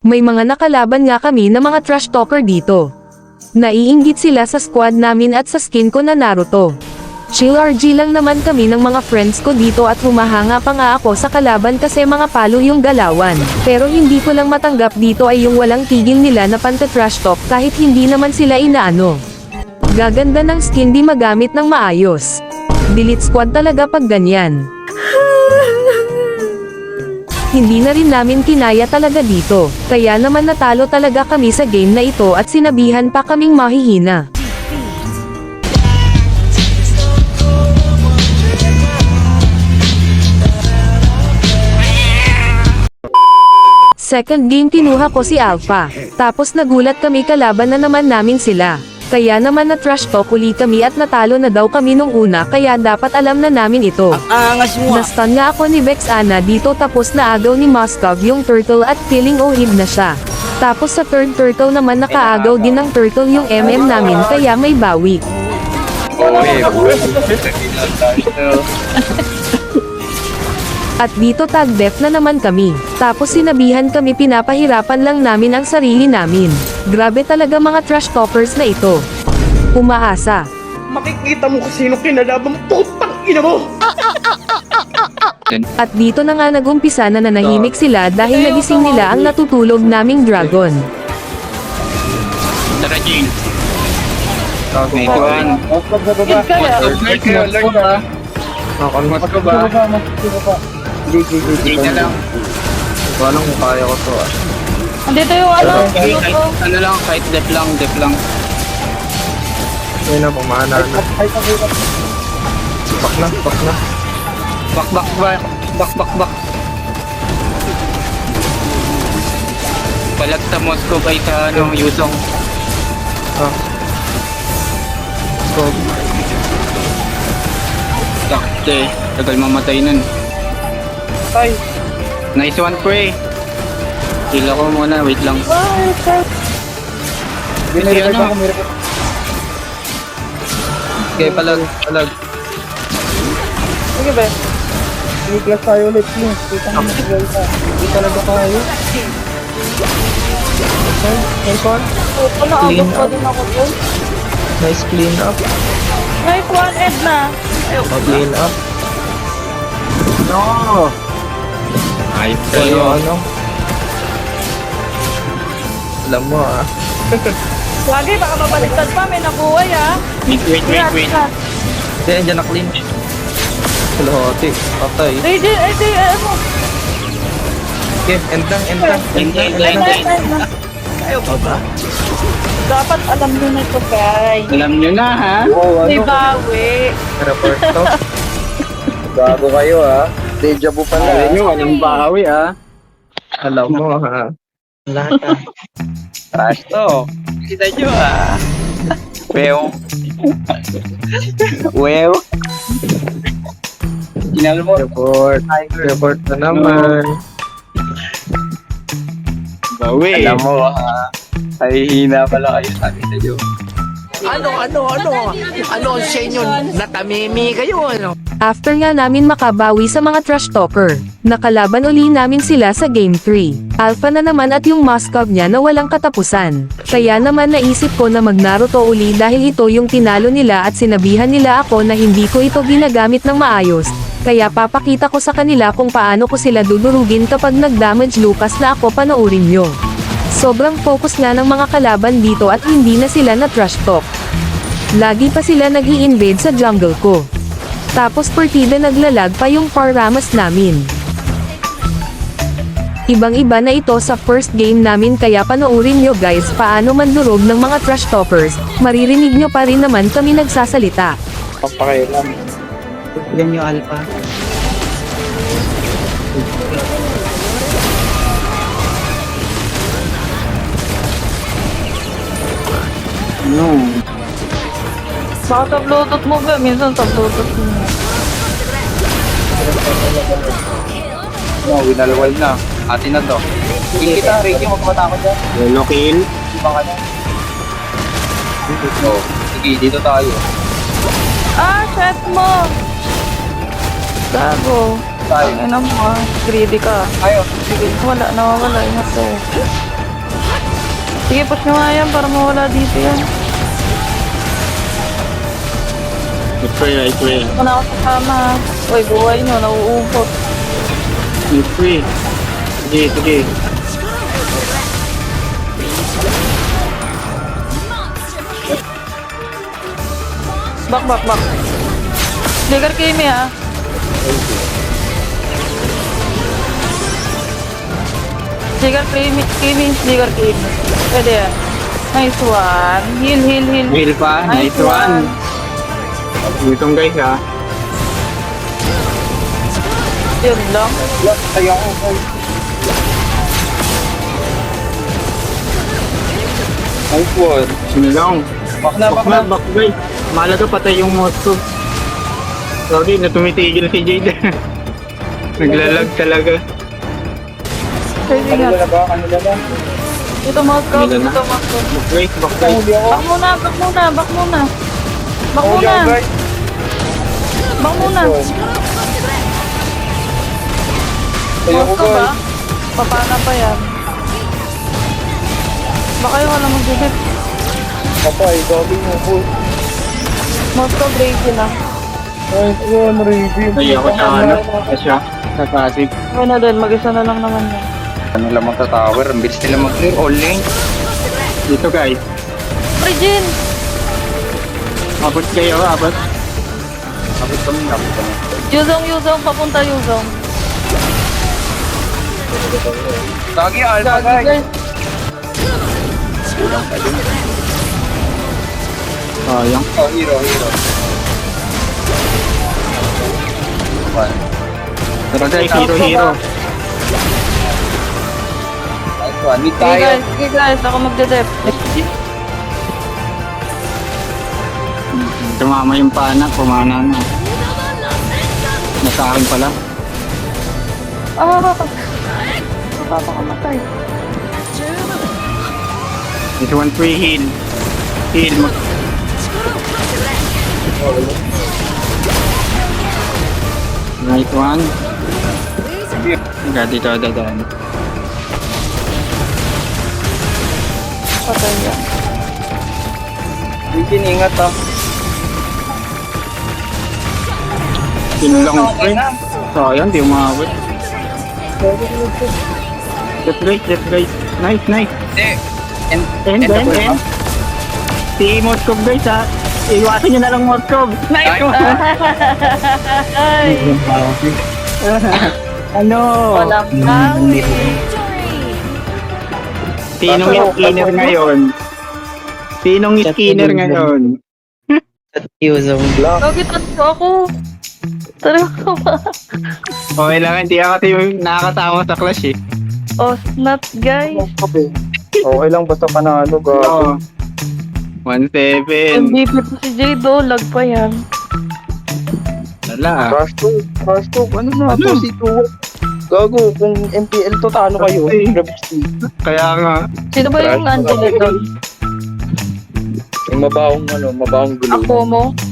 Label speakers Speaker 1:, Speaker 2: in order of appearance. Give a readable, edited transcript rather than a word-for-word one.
Speaker 1: May mga nakalaban nga kami na mga trash talker dito. Naiinggit sila sa squad namin at sa skin ko na Naruto. Chill RG lang naman kami ng mga friends ko dito at humahanga pa nga ako sa kalaban kasi mga palo yung galawan. Pero hindi ko lang matanggap dito ay yung walang tigil nila na panta-trash talk kahit hindi naman sila inaano. Gaganda ng skin di magamit ng maayos. Delete squad talaga pag ganyan. Hindi na rin namin kinaya talaga dito, kaya naman natalo talaga kami sa game na ito at sinabihan pa kaming mahihina. Second game kinuha ko si Alpha, tapos nagulat kami kalaban na naman namin sila. Kaya naman na trash talk uli kami at natalo na daw kami nung una kaya dapat alam na namin ito.
Speaker 2: Angas mo.
Speaker 1: Nastan nga ako ni Vex Ana dito tapos naagaw ni Moskov yung turtle at feeling ohib na siya. Tapos sa third turtle naman nakaagaw din ng turtle yung MM namin kaya may bawi. At dito tag def na naman kami. Tapos sinabihan kami pinapahirapan lang namin ang sarili namin. Grabe talaga mga trash talkers na ito. Umaasa.
Speaker 2: Makikita mo kung sino kinalaban mo. Putang ina mo!
Speaker 1: At dito na nga nagumpisa na nanahimik sila dahil nagising nila ang natutulog naming dragon.
Speaker 3: Tara, Jing.
Speaker 4: May
Speaker 3: kuhan.
Speaker 4: Alert ka.
Speaker 3: Mas ko ba? Jing na lang.
Speaker 4: Walang kung kaya ko to ah.
Speaker 5: Andito yung ano,
Speaker 3: Kahit,
Speaker 5: luto.
Speaker 3: ano lang, kahit dep lang.
Speaker 4: Ayun na, pumana na. Pak na.
Speaker 3: Bak. Balag sa Moscow ay sa ano, Yusong.
Speaker 4: Ah. So,
Speaker 3: Sakte, tagal mamatay nun.
Speaker 2: Tay.
Speaker 3: Nice one, pre. Heal ako muna, wait lang. Kasi ano,
Speaker 4: okay, palag.
Speaker 2: Sige ba? Sige class tayo ulit please. Kita mo na. Hindi talaga tayo. Okay, nice one.
Speaker 5: Ano, agad pa din ako dun.
Speaker 4: Nice clean up.
Speaker 5: Nice one, Edna.
Speaker 4: Clean up. No!
Speaker 3: ayos
Speaker 4: Kayo
Speaker 3: kayo.
Speaker 4: ano? Alam mo ah.
Speaker 5: Lagi, baka mabaliktad pa. May nabuhay ah.
Speaker 3: Wait.
Speaker 4: Hindi, andyan na clean. Kalahati. Patay.
Speaker 5: DJ, ano?
Speaker 4: Okay, end lang.
Speaker 5: Ayaw pa ba? Dapat alam nyo na ito, guys.
Speaker 3: Alam nyo na, ha?
Speaker 5: May bawi.
Speaker 4: Report to. Bago kayo ah. Deja vu pala.
Speaker 3: Alam nyo, walang bawi, ha?
Speaker 4: Alam mo ha. Lahat ah.
Speaker 3: Trash to. Kita nyo, ha? Well. Tinalo mo.
Speaker 4: Report na naman.
Speaker 3: Bawi. Alam mo, ha? Ay, hina pala kayo sa akin nyo.
Speaker 2: Ano sa inyo? Natamimi kayo ano?
Speaker 1: After nga namin makabawi sa mga trash talker, nakalaban uli namin sila sa Game 3. Alpha na naman at yung Moskov niya na walang katapusan. Kaya naman naisip ko na mag-Naruto uli dahil ito yung tinalo nila at sinabihan nila ako na hindi ko ito ginagamit ng maayos. Kaya papakita ko sa kanila kung paano ko sila dudurugin kapag nag-damage Lucas na ako panoorin nyo. Sobrang focus nga ng mga kalaban dito at hindi na sila na trash talk. Lagi pa sila nag-i-invade sa jungle ko. Tapos partida naglalag pa yung Paramas namin. Ibang-iba na ito sa first game namin kaya panoorin nyo guys paano mandurog ng mga trash talkers, maririnig nyo pa rin naman kami nagsasalita.
Speaker 4: Papakailan.
Speaker 2: Yan yung alpha.
Speaker 3: No.
Speaker 5: Baka sa Bluetooth mo ba? Minsan sa Bluetooth mo.
Speaker 3: No, winalwal na. Atin na to.
Speaker 2: Kill kita, Ricky, huwag matakot dyan.
Speaker 3: Yellow kill.
Speaker 2: Iba ka na.
Speaker 3: Oh, sige, dito tayo.
Speaker 5: Ah, shit mo! Gago.
Speaker 3: Tayo.
Speaker 5: Ano mo ah, greedy ka.
Speaker 3: Tayo.
Speaker 5: Sige, wala, nawawala yung ito. Sige, push nyo nga yan para mawala dito yan.
Speaker 3: Right way, right way.
Speaker 5: Ako na ako kasama. Uy, buhay nyo, nauubot.
Speaker 3: Right way. Sige, sige.
Speaker 5: Back, back, back. Ligar Kimi ha. Ligar Kimi, Ligar Kimi. Pwede yan. Nice one. Heal, heal, heal.
Speaker 3: Heal pa. Nice one. Gutom guys ha.
Speaker 5: Yun lang.
Speaker 2: Kaya ako, guys.
Speaker 4: Nice one.
Speaker 3: Sino lang?
Speaker 2: Back na, back na.
Speaker 3: Back guys. Mahalaga patay yung moto. Sorry na tumitigil si Jade. Naglalag talaga.
Speaker 5: Pwede
Speaker 2: Kanila
Speaker 5: nga.
Speaker 2: na ba? Kanila na.
Speaker 5: Ito Moscow,
Speaker 3: Kanila na.
Speaker 5: ito Moscow.
Speaker 3: Back guys, back guys.
Speaker 2: Huli ako.
Speaker 5: Back muna, back muna, back muna. Back
Speaker 2: Huli
Speaker 5: muna,
Speaker 2: ako, guys.
Speaker 5: back muna.
Speaker 2: Kaya ako,
Speaker 5: Moscow ba?
Speaker 2: guys.
Speaker 5: Papana pa yan. Baka yung alam mag-dip.
Speaker 2: Patay, gagawin mo po.
Speaker 5: Moscow Brady na.
Speaker 2: Nice one, review.
Speaker 3: Ay, ako sa ano. Asya. Sa passive.
Speaker 5: Ano na din, mag-isa na lang naman yan.
Speaker 4: Ano lang magta-tower, ang bilis nila mag-clear. All lane.
Speaker 3: Dito guys.
Speaker 5: Regin!
Speaker 3: Abot kayo, abot.
Speaker 4: Abot kami.
Speaker 5: Yuzong, papunta Yuzong.
Speaker 4: Lagi, alpha guys.
Speaker 3: Sayang.
Speaker 4: Oh, hero. One.
Speaker 3: Tara guys, hero.
Speaker 4: Nice one. Mid
Speaker 5: Sige
Speaker 4: tayo.
Speaker 5: guys, ako magdedep.
Speaker 3: Tumama yung pana, pumana na. Nasa akin pala.
Speaker 5: Ah! Napapakamatay.
Speaker 3: This one free heal. Heal mo. Right one. Agad dito, dadaan.
Speaker 5: Patay yan.
Speaker 4: Regin, ingat ha.
Speaker 3: Sinulang ko eh. Sayang, di umabot. Left guys. Nice.
Speaker 4: Hindi.
Speaker 3: And.
Speaker 4: End.
Speaker 3: Si Moskov guys ha. Iwasan nyo na lang Moskov. Nice one.
Speaker 5: Ay!
Speaker 3: Ano?
Speaker 5: Walang kawi.
Speaker 3: Sinong skinner ngayon? Sinong skinner ngayon?
Speaker 5: Lagi tatlo ako. Talaga ba?
Speaker 3: Okay lang, hindi ako nakakasama sa clash eh.
Speaker 5: Oh, snap guys.
Speaker 2: Okay lang, basta panalo, gago.
Speaker 3: Oo. 1-7.
Speaker 5: MVP po si Jado, lag pa yan.
Speaker 3: Wala ah.
Speaker 2: Crash talk, ano na,
Speaker 3: Ano?
Speaker 2: si Tuwa. Gago, kung MPL to, talo kayo.
Speaker 3: Ay.
Speaker 2: Gravity.
Speaker 3: Kaya nga.
Speaker 5: Sino ba yung Angela doon?
Speaker 2: Yung mabahong gulo.
Speaker 5: Ako mo?